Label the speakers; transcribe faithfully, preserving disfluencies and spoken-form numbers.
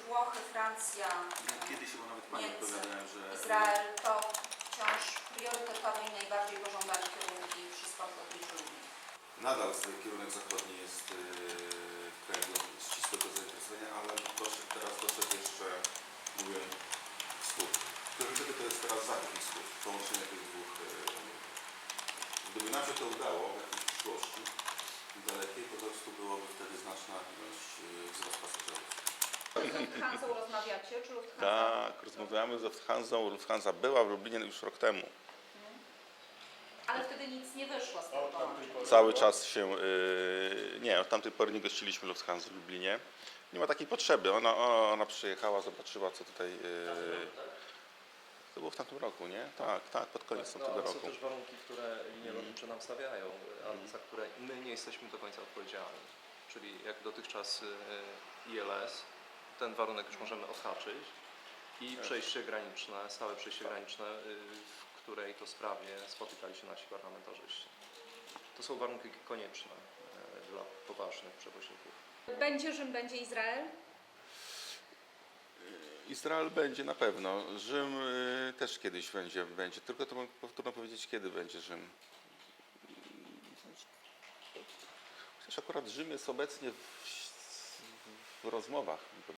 Speaker 1: Włochy, Francja,
Speaker 2: Kiedyś chyba nawet Pani
Speaker 1: Niemcy,
Speaker 2: odpowiadałem, że
Speaker 1: Izrael to wciąż priorytetowe i najbardziej pożądane kierunki przez konflikt ludzi.
Speaker 2: nadal kierunek zachodni jest yy, w kraju ścisłego zainteresowania, ale doszedł, teraz doszedł jeszcze, mówię, wschód. Priorytety to jest teraz zachód i wschód, połączenie tych dwóch. Yy, gdyby nam się to udało w jakiejś przyszłości dalekiej, po prostu byłoby wtedy znaczna ilość yy, wzrost pasażerów.
Speaker 1: Z Lufthansą rozmawiacie, czy Lufthansa?
Speaker 3: Tak, rozmawiamy z Lufthansą. Lufthansa była w Lublinie już rok temu.
Speaker 1: Ale wtedy nic nie wyszło z tego połączenia.
Speaker 3: Cały czas się, yy, nie, od tamtej pory nie gościliśmy Lufthansa w Lublinie. Nie ma takiej potrzeby. Ona, ona przyjechała, zobaczyła, co tutaj... Yy, to było w tamtym roku, nie? Tak, tak, pod koniec
Speaker 4: No,
Speaker 3: tamtego
Speaker 4: ale są
Speaker 3: roku.
Speaker 4: też warunki, które linie lotnicze nam stawiają, a za które my nie jesteśmy do końca odpowiedzialni. Czyli jak dotychczas y, I L S, ten warunek już możemy odhaczyć i przejście graniczne, stałe przejście graniczne, y, w której to sprawie spotykali się nasi parlamentarzyści. To są warunki konieczne y, dla poważnych przewoźników.
Speaker 1: Będzie Rzym, będzie Izrael?
Speaker 3: Izrael będzie na pewno. Rzym yy, też kiedyś będzie, będzie. Tylko to trudno powiedzieć, kiedy będzie Rzym. Chociaż akurat Rzym jest obecnie w, w rozmowach,